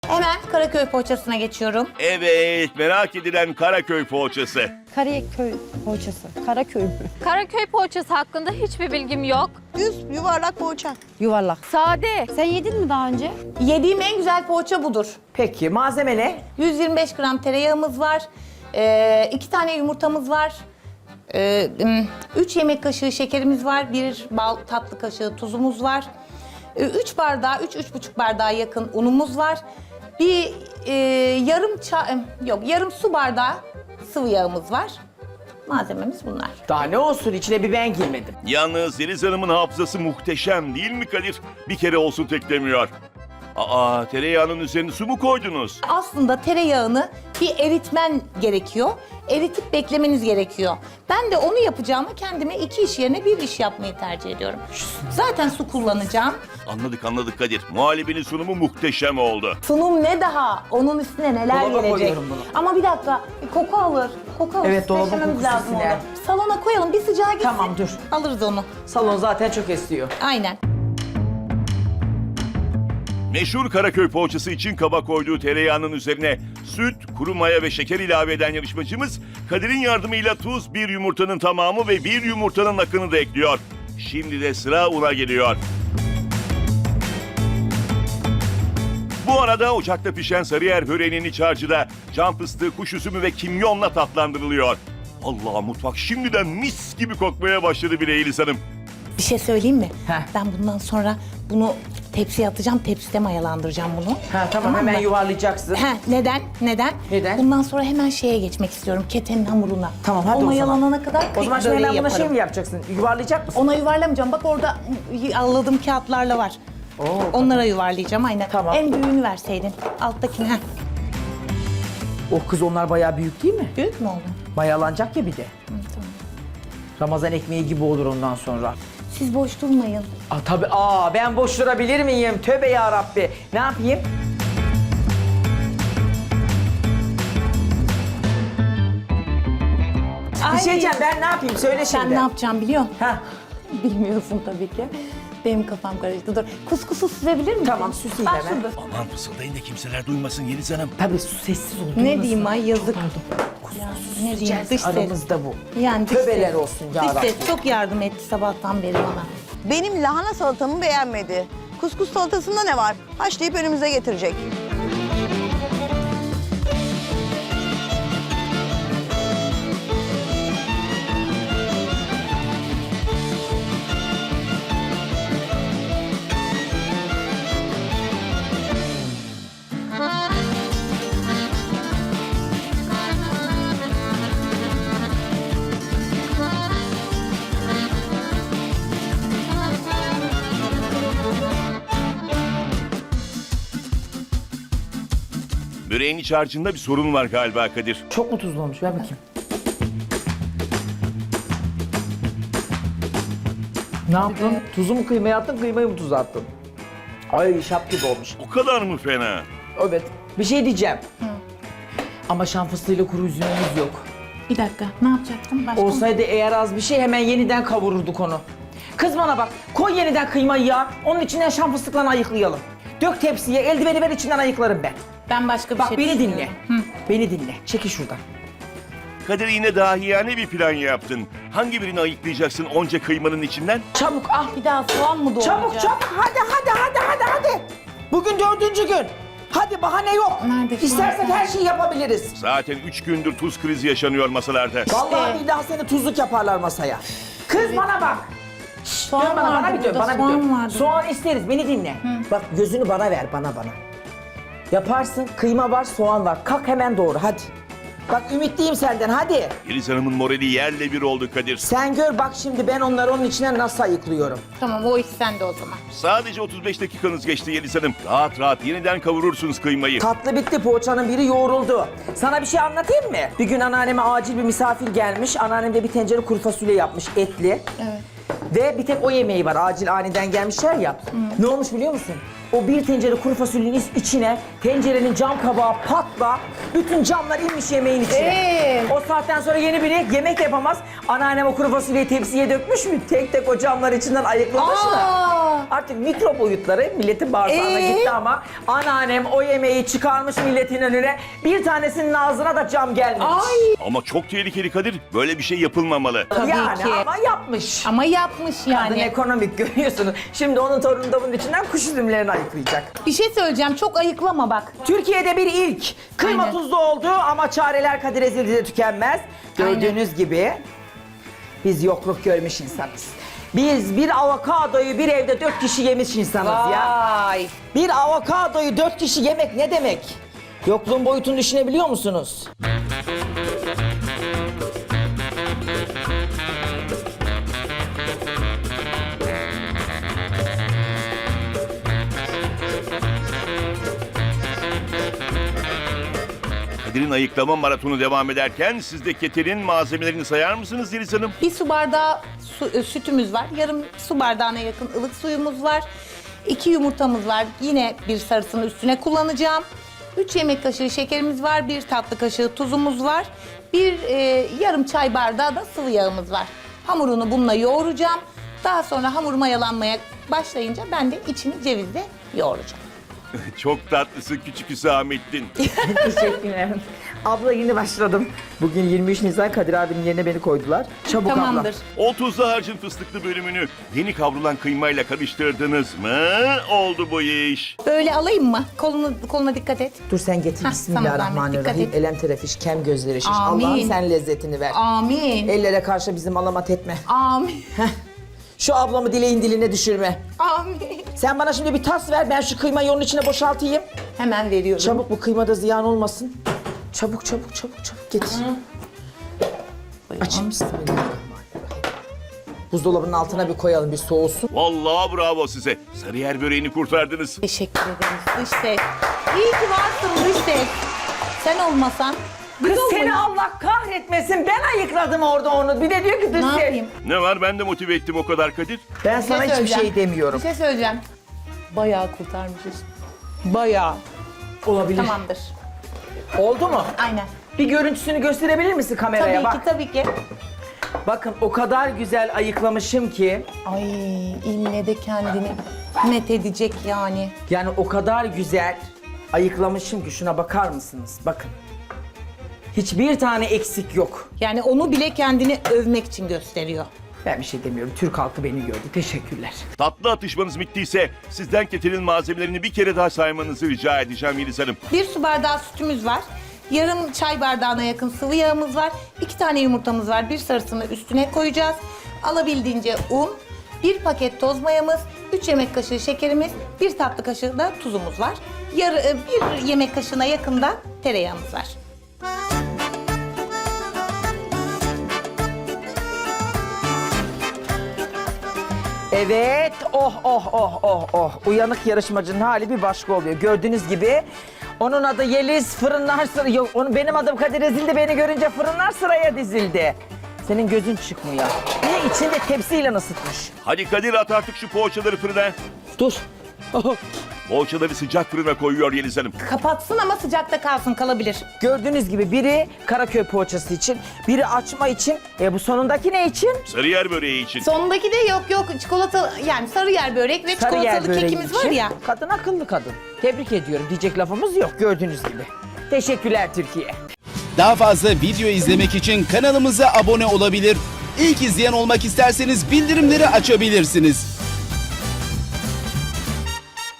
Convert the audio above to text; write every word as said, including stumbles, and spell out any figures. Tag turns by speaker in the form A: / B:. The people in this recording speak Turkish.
A: Hemen Karaköy poğaçasına geçiyorum.
B: Evet, merak edilen Karaköy poğaçası.
C: Karaköy poğaçası. Karaköy mü?
D: Karaköy poğaçası hakkında hiçbir bilgim yok.
E: Düz yuvarlak poğaça.
C: Yuvarlak.
D: Sade.
C: Sen yedin mi daha önce?
A: Yediğim en güzel poğaça budur.
F: Peki malzeme ne?
A: yüz yirmi beş gram tereyağımız var. Ee, iki tane yumurtamız var. Ee, üç yemek kaşığı şekerimiz var. Bir bal tatlı kaşığı tuzumuz var. Ee, üç bardağı, üç, üç buçuk bardağa yakın unumuz var. Bir e, yarım çay, yok yarım su bardağı sıvı yağımız var. Malzememiz bunlar.
F: Daha ne olsun içine bir ben girmedim.
B: Yalnız Yeliz Hanım'ın hafızası muhteşem değil mi Kadir? Bir kere olsun teklemiyor. Aa, tereyağının üzerine su mu koydunuz?
A: Aslında tereyağını bir eritmen gerekiyor. Eritip beklemeniz gerekiyor. Ben de onu yapacağıma kendime iki iş yerine bir iş yapmayı tercih ediyorum. Zaten su kullanacağım.
B: Anladık anladık Kadir. Muhallebinin sunumu muhteşem oldu.
A: Sunum ne daha? Onun üstüne neler
F: Dolaba
A: gelecek?
F: koyuyorum bunu.
A: Ama bir dakika, koku alır. Koku alır.
F: Evet, dolabın
A: Streçlememiz
F: kokusu
A: lazım
F: siner.
A: onu. Salona koyalım, bir sıcağa gitsin.
F: Tamam, dur.
A: Alırız onu.
F: Salon zaten çok esiyor.
A: Aynen.
B: Meşhur Karaköy poğaçası için kaba koyduğu tereyağının üzerine süt, kuru maya ve şeker ilave eden yarışmacımız Kadir'in yardımıyla tuz, bir yumurtanın tamamı ve bir yumurtanın akını da ekliyor. Şimdi de sıra una geliyor. Bu arada ocakta pişen sarıyer böreğinin iç harcı da cam fıstığı, kuş üzümü ve kimyonla tatlandırılıyor. Allah, mutfak şimdiden mis gibi kokmaya başladı bile Yeliz Hanım.
A: Bir şey söyleyeyim mi?
F: Heh.
A: Ben bundan sonra bunu tepsiye atacağım, tepside mayalandıracağım bunu.
F: Ha tamam, hemen
A: mı?
F: yuvarlayacaksın.
A: He, neden? Neden?
F: Neden?
A: Bundan sonra hemen şeye geçmek istiyorum, ketenin hamuruna.
F: Tamam, hadi o
A: o
F: zaman.
A: mayalanana kadar
F: O zaman şimdi
A: böreği
F: hemen buna
A: yaparım.
F: şey mi yapacaksın? Yuvarlayacak mısın?
A: Ona yuvarlamayacağım. Bak orada alladığım kağıtlarla var.
F: Oo,
A: Onlara yuvarlayacağım aynen.
F: Tamam.
A: En büyüğünü verseydin. Alttakini. Heh.
F: O kız onlar bayağı büyük değil mi?
A: Büyük mü oldu?
F: Mayalanacak ya bir de.
A: tamam.
F: Ramazan ekmeği gibi olur ondan sonra.
A: Siz boş durmayın.
F: Aa tabii, aa ben boş durabilir miyim? Tövbe ya Rabbi. Ne yapayım? Bir şey diyeceğim, ben ne yapayım? Söyle şimdi.
A: Sen ne yapacağım biliyor musun?
F: Ha,
A: Bilmiyorsun tabii ki. Benim kafam karıştı. Dur. Kuskusu süzebilir misin?
F: Tamam, süseyim
A: Bak
F: hemen.
A: şurada.
B: Aman fısıldayın da kimseler duymasın Yeliz Hanım.
F: tabii su sessiz ol.
A: Ne
F: duymasın.
A: diyeyim ay yazık. Ya, ne diyeyim dış ses.
F: Aramızda bu.
A: Yani dış
F: Tövbeler
A: ses.
F: olsun ya
A: Dış
F: Rabbi.
A: ses çok yardım etti sabahtan beri bana.
E: Benim lahana salatamı beğenmedi. Kuskus salatasında ne var? Haşlayıp önümüze getirecek.
B: Böreğin iç harcında bir sorun var galiba Kadir.
F: Çok mu tuzlu olmuş? Ver bakayım. Ne yaptın? Tuzu mu kıymaya attın, kıymayı mı tuza attın? Ay şap gibi olmuş.
B: O kadar mı fena?
F: Evet. Bir şey diyeceğim. Ama şan fıstığıyla kuru üzümümüz yok.
A: Bir dakika ne yapacaktım? Başka
F: Olsaydı eğer az bir şey hemen yeniden kavururduk onu. Kız bana bak, koy yeniden kıymayı ya. Onun içinden şan fıstıklarını ayıklayalım. Dök tepsiye, eldiveni ver, içinden ayıklarım ben.
A: Ben başka bir
F: Bak
A: şey
F: beni dinle.
A: düşünüyorum.
F: Beni dinle. Çekil şuradan.
B: Kadir, yine dahiyane bir plan yaptın. Hangi birini ayıklayacaksın onca kıymanın içinden?
F: Çabuk al.
A: Bir daha soğan mı doğrayacağım?
F: Çabuk çabuk hadi hadi hadi hadi hadi. Bugün dördüncü gün. Hadi bahane yok.
A: Nerede şu
F: İstersek
A: an?
F: her şeyi yapabiliriz.
B: Zaten üç gündür tuz krizi yaşanıyor masalarda.
F: Vallahi billahi seni tuzluk yaparlar masaya. Kız bana bak. Şşş, dön
A: Soğan
F: bana, bana
A: vardı
F: bir dön,
A: burada,
F: bana bir
A: soğan
F: dön.
A: vardı.
F: Soğan isteriz, beni dinle. Bak gözünü bana ver, bana bana. Yaparsın, kıyma var, soğan var. Kalk hemen doğru, hadi. Bak ümitliyim senden, hadi.
B: Yeliz Hanım'ın morali yerle bir oldu Kadir.
F: Sen gör bak şimdi ben onları onun içine nasıl ayıklıyorum.
A: Tamam o iş sende o zaman.
B: Sadece otuz beş dakikanız geçti Yeliz Hanım. Rahat rahat yeniden kavurursunuz kıymayı.
F: Tatlı bitti, poğaçanın biri yoğruldu. Sana bir şey anlatayım mı? Bir gün anneanneme acil bir misafir gelmiş. Anneannem de bir tencere kuru fasulye yapmış, etli.
A: Evet.
F: Ve bir tek o yemeği var, acil aniden gelmişler ya. Ne olmuş biliyor musun? O bir tencere kuru fasulyenin içine tencerenin cam kabağı patla, bütün camlar inmiş yemeğin içine.
A: Ee?
F: O saatten sonra yeni biri yemek de yapamaz. Anneannem o kuru fasulyeyi tepsiye dökmüş mü? Tek tek o camlar içinden ayıklamış mı?
A: Aa!
F: Artık mikro boyutları milletin bağırsağına
A: Ee?
F: gitti ama anneannem o yemeği çıkarmış milletin önüne. Bir tanesinin ağzına da cam gelmemiş.
A: Ay.
B: Ama çok tehlikeli Kadir. Böyle bir şey yapılmamalı.
A: Tabii
F: yani
A: ki.
F: ama yapmış.
A: Ama yapmış
F: Kadın
A: yani.
F: ekonomik görüyorsunuz. Şimdi onun torunu da bunun içinden kuş üzümlerini ayıklayacak.
A: Bir şey söyleyeceğim. Çok ayıklama bak.
F: Türkiye'de bir ilk. Kıyma
A: Aynen.
F: tuzlu oldu ama çareler Kadir Ezildi'de tükenmez. Gördüğünüz gibi biz yokluk görmüş insanız. Biz bir avokadoyu bir evde dört kişi yemiş insanız ya.
A: Vay.
F: Bir avokadoyu dört kişi yemek ne demek? Yokluğun boyutunu düşünebiliyor musunuz?
B: Kadir'in ayıklama maratonu devam ederken siz de keterin malzemelerini sayar mısınız Yeliz Hanım?
A: Bir su bardağı su- e, sütümüz var. Yarım su bardağına yakın ılık suyumuz var. İki yumurtamız var. Yine bir sarısını üstüne kullanacağım. Üç yemek kaşığı şekerimiz var. Bir tatlı kaşığı tuzumuz var. Bir e, yarım çay bardağı da sıvı yağımız var. Hamurunu bununla yoğuracağım. Daha sonra hamur mayalanmaya başlayınca ben de içini cevizle yoğuracağım.
B: Çok tatlısın küçük Hüsamettin.
F: Teşekkürler. Abla yeni başladım. Bugün yirmi üç Nisan Kadir abinin yerine beni koydular. Çabuk
A: Tamamdır.
B: O tuzlu harcın fıstıklı bölümünü yeni kavrulan kıymayla karıştırdınız mı? Oldu bu iş.
A: Böyle alayım mı? Kolunu, koluna dikkat et.
F: abla. Dur sen getir.
A: Hah,
F: Bismillahirrahmanirrahim.
A: tamam, dikkat et.
F: Elem terefiş, kem gözleri şiş.
A: Amin.
F: Allah'ım sen lezzetini ver.
A: Amin.
F: Ellere karşı bizim alamat etme.
A: Amin.
F: Şu ablamı dileğin diline düşürme.
A: Amin.
F: Sen bana şimdi bir tas ver, ben şu kıymayı onun içine boşaltayım.
A: Hemen veriyorum.
F: Çabuk, bu kıymada ziyan olmasın. Çabuk, çabuk, çabuk, çabuk getir. Aç. Bismillahirrahmanirrahim. Buzdolabının altına bir koyalım, bir soğusun.
B: Vallahi bravo size. Sarıyer böreğini kurtardınız.
A: Teşekkür ederiz dış ses. İyi ki varsın dış ses. Sen olmasan
F: Kız
A: biz
F: seni
A: olmayız.
F: Allah kahretmesin, ben ayıkladım orada onu. Bir de diyor ki dış
A: Ne
F: ses.
A: yapayım?
B: Ne var ben de motive ettim o kadar Kadir.
F: Ben
A: Bir
F: sana hiçbir
A: söyleyeceğim.
F: şey demiyorum.
A: Bir şey söyleyeceğim. Bayağı kurtarmışız. Bayağı.
F: Olabilir.
A: Tamamdır.
F: Oldu mu?
A: Aynen.
F: Bir görüntüsünü gösterebilir misin kameraya?
A: Tabii
F: Bak.
A: ki tabii ki.
F: Bakın o kadar güzel ayıklamışım ki.
A: Ay ille de kendini met edecek yani.
F: Yani o kadar güzel ayıklamışım ki şuna bakar mısınız? Bakın. Hiçbir tane eksik yok.
A: Yani onu bile kendini övmek için gösteriyor.
F: Ben bir şey demiyorum. Türk halkı beni gördü. Teşekkürler.
B: Tatlı atışmanız bittiyse sizden keterin malzemelerini bir kere daha saymanızı rica edeceğim Yeliz Hanım.
A: Bir su bardağı sütümüz var. Yarım çay bardağına yakın sıvı yağımız var. İki tane yumurtamız var. Bir sarısını üstüne koyacağız. Alabildiğince un, bir paket toz mayamız, üç yemek kaşığı şekerimiz, bir tatlı kaşığı da tuzumuz var. Yarı, e, bir yemek kaşığına yakın da tereyağımız var.
F: Evet. Oh oh oh oh oh. Uyanık yarışmacının hali bir başka oluyor. Gördüğünüz gibi onun adı Yeliz, fırınlar sıra... Yok, onun, benim adım Kadir Ezildi, beni görünce fırınlar sıraya dizildi. Senin gözün çıkmıyor. Niye içinde tepsiyle ısıtmış?
B: Hadi Kadir at artık şu poğaçaları fırına.
F: Dur.
B: Poğaçaları sıcak fırına koyuyor Yeliz Hanım.
A: Kapatsın ama sıcakta kalsın, kalabilir.
F: Gördüğünüz gibi biri Karaköy poğaçası için, biri açma için. E bu sonundaki ne için?
B: Sarıyer böreği için.
A: Sondaki de yok yok çikolata, yani sarıyer börek ve
F: Sarıyer
A: çikolatalı
F: böreği
A: kekimiz
F: için.
A: var ya.
F: Kadın akıllı kadın. Tebrik ediyorum. Diyecek lafımız yok gördüğünüz gibi. Teşekkürler Türkiye.
G: Daha fazla video izlemek için kanalımıza abone olabilir. İlk izleyen olmak isterseniz bildirimleri açabilirsiniz.